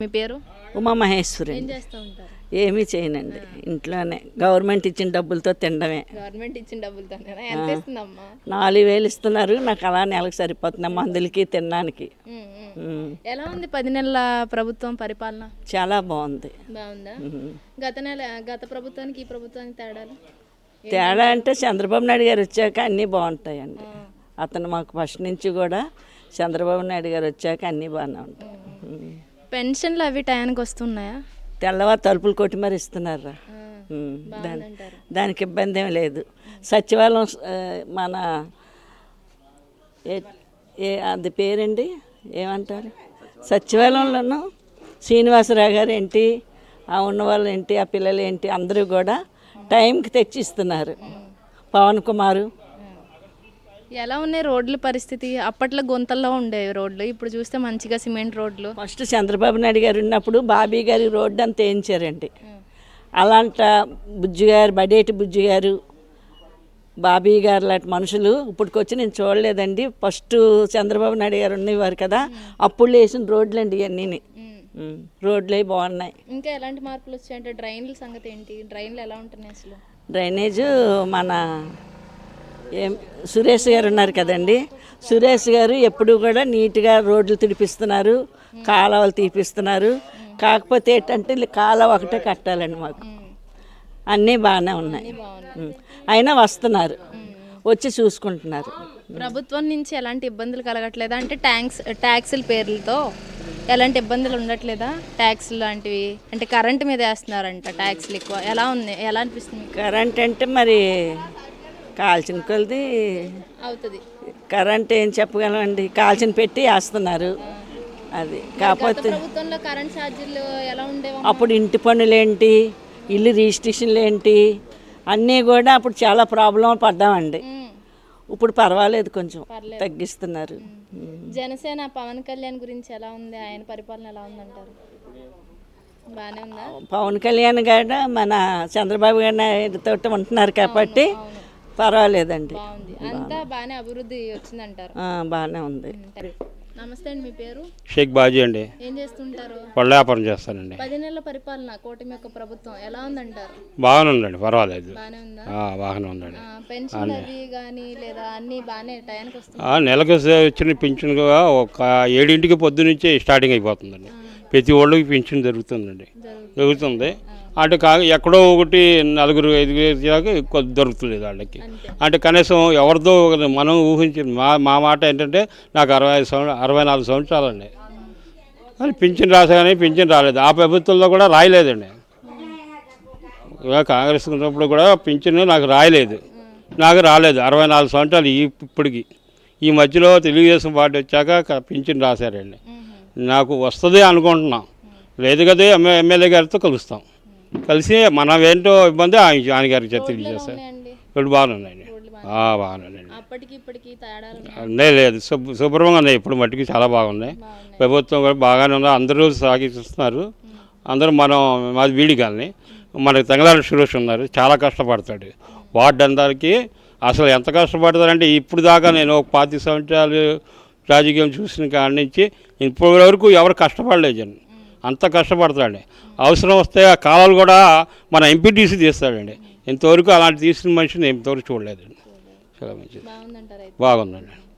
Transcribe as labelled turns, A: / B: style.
A: మీ పేరు?
B: ఉమామహేశ్వరి.
A: ఏం చేస్తూ ఉంటారు?
B: ఏమీ చేయనండి, ఇంట్లోనే గవర్నమెంట్ ఇచ్చిన డబ్బులతో తినడమే.
A: గవర్నమెంట్ ఇచ్చిన డబ్బులతోనేనా? ఎంత ఇస్తుందమ్మా?
B: 4000 ఇస్తున్నారు, నాకు అలా నెలకు సరిపోతుంది మందులకి తినడానికి.
A: ఎలా ఉంది 10 నెలల ప్రభుత్వం పరిపాలన?
B: చాలా బాగుంది.
A: బాగుందా? గత ప్రభుత్వానికి ఈ ప్రభుత్వానికి తేడాలు?
B: తేడా అంటే చంద్రబాబు నాయుడు గారు వచ్చాక అన్నీ బాగుంటాయండి. అతను మాకు ఫస్ట్ నుంచి కూడా చంద్రబాబు నాయుడు గారు వచ్చాక అన్నీ బాగానే ఉంటాయి.
A: పెన్షన్లు అవి టయానికి వస్తున్నాయా?
B: తెల్లవారు తలుపులు కొట్టి మరి ఇస్తున్నారా. దానికి ఇబ్బంది ఏం లేదు. సచివాలయం మన అది పేరండి ఏమంటారు, సచివాలయంలోనూ శ్రీనివాసరావు గారు ఏంటి, ఆ ఉన్నవాళ్ళు ఏంటి, ఆ పిల్లలు ఏంటి, అందరూ కూడా టైంకి తెచ్చిస్తున్నారు. పవన్ కుమారు.
A: ఎలా ఉన్నాయి రోడ్ల పరిస్థితి? అప్పట్లో గుంతల్లో ఉండేవి రోడ్లు, ఇప్పుడు చూస్తే మంచిగా సిమెంట్ రోడ్లు.
B: ఫస్ట్ చంద్రబాబు నాయుడు గారు ఉన్నప్పుడు బాబీ గారి రోడ్డు అంతా వేయించారండి. అలాంటి బుజ్జి గారు, బడేటి బుజ్జి గారు, బాబీ గారు లాంటి మనుషులు ఇప్పటికొచ్చి నేను చూడలేదండి. ఫస్ట్ చంద్రబాబు నాయుడు గారు ఉండేవారు కదా, అప్పుడు వేసిన రోడ్లు అండి ఇవన్నీ. రోడ్లు అవి బాగున్నాయి.
A: ఇంకా ఎలాంటి మార్పులు వచ్చాయంటే డ్రైన్ల సంగతి ఏంటి? డ్రైన్లు ఎలా ఉంటున్నాయి అసలు?
B: డ్రైనేజ్ మన సురేష్ గారు ఉన్నారు కదండి, సురేష్ గారు ఎప్పుడు కూడా నీట్గా రోడ్లు తిడిపిస్తున్నారు, కాలువలు తీపిస్తున్నారు. కాకపోతే ఏంటంటే కాలువ ఒకటే కట్టాలండి మాకు. అన్నీ బాగానే ఉన్నాయి, అయినా వస్తున్నారు, వచ్చి చూసుకుంటున్నారు.
A: ప్రభుత్వం నుంచి ఎలాంటి ఇబ్బందులు కలగట్లేదా? అంటే ట్యాక్సుల పేర్లతో ఎలాంటి ఇబ్బందులు ఉండట్లేదా? ట్యాక్సులు లాంటివి అంటే కరెంటు మీద వేస్తున్నారంట ట్యాక్సులు ఎక్కువ. ఎలా ఉంది, ఎలా అనిపిస్తుంది?
B: కరెంట్ అంటే మరి కాల్చిన కొలది
A: అవుతుంది.
B: కరెంట్ ఏం చెప్పగలమండి, కాల్చిన పెట్టి వేస్తున్నారు. అది కాకపోతే
A: ప్రభుత్వంలో కరెంట్ ఛార్జీలు ఎలా ఉండేవి?
B: అప్పుడు ఇంటి పనులు ఏంటి, ఇల్లు రిజిస్ట్రేషన్లు ఏంటి, అన్నీ కూడా అప్పుడు చాలా ప్రాబ్లం పడ్డామండి. ఇప్పుడు పర్వాలేదు, కొంచెం తగ్గిస్తున్నారు.
A: జనసేన పవన్ కళ్యాణ్ గురించి ఎలా ఉంది? ఆయన పరిపాలన ఎలా ఉందంటారు? బాగానే ఉందా?
B: పవన్ కళ్యాణ్ గారు మన చంద్రబాబు గారితో ఉంటున్నారు కాబట్టి పర్వాలేదండి.
A: అంతా బాగానే అభివృద్ధి వచ్చిందంటారు?
B: బాగానే ఉంది.
A: నమస్తే అండి, మీ పేరు?
C: షేక్ బాజీ అండి.
A: ఏం చేస్తుంటారు?
C: పళ్ళ వ్యాపారం చేస్తానండి.
A: 10 నెలల పరిపాలన కూటమి యొక్క ప్రభుత్వం ఎలా ఉందంటారు?
C: బాగానే ఉందండి, పర్వాలేదు.
A: బాగానే ఉందా?
C: బాగానే ఉందండి.
A: పెన్షన్ అవి కానీ లేదా అన్ని బాగానే టయానికి వస్తుంది?
C: నెలకు వచ్చిన పింఛన్ ఒక 7 పొద్దు నుంచి స్టార్టింగ్ అయిపోతుందండి. ప్రతి ఒళ్ళకి పింఛన్ జరుగుతుంది. అంటే ఎక్కడో ఒకటి 4-5 దాకా ఎక్కువ దొరుకుతలేదు వాళ్ళకి. అంటే కనీసం ఎవరిదో మనం ఊహించింది. మా మాట ఏంటంటే నాకు 64 సంవత్సరాలండి. కానీ పింఛన్ రాసాగానే పింఛన్ రాలేదు. ఆ ప్రభుత్వంలో కూడా రాయలేదండి. కాంగ్రెస్ ఉన్నప్పుడు కూడా పింఛన్ నాకు రాయలేదు, నాకు రాలేదు. 64 సంవత్సరాలు ఇప్పటికి. ఈ మధ్యలో తెలుగుదేశం పార్టీ వచ్చాక పింఛన్ రాశారండి. నాకు వస్తుంది అనుకుంటున్నాం, లేదు కదా ఎమ్మెల్యే గారితో కలుస్తాం, కలిసి మనం ఏంటో ఇబ్బంది ఆయన గారికి తెలియజేస్తారు. ఇప్పుడు బాగున్నాయండి, బాగున్నాయండి. లేదు శుభ్రంగా ఉన్నాయి, ఇప్పుడు మట్టికి చాలా బాగున్నాయి. ప్రభుత్వం కూడా బాగానే ఉంది, అందరూ సాగిస్తున్నారు. అందరూ మాది వీడిగాలని మనకి తెంగళారి సురేష్ ఉన్నారు, చాలా కష్టపడతాడు. వార్డు అందరికి అసలు ఎంత కష్టపడతారంటే ఇప్పుడు దాకా నేను ఒక 25 సంవత్సరాలు రాజకీయం చూసిన కాడి నుంచి ఇప్పటి వరకు ఎవరు కష్టపడలేదండి. అంత కష్టపడతాడండి. అవసరం వస్తే ఆ కాలాలు కూడా మన ఎంపీటీసీ తీస్తాడండి. ఇంతవరకు అలాంటి తీసిన మనిషిని ఇంతవరకు చూడలేదండి. చాలా మంచిది, బాగుందండి.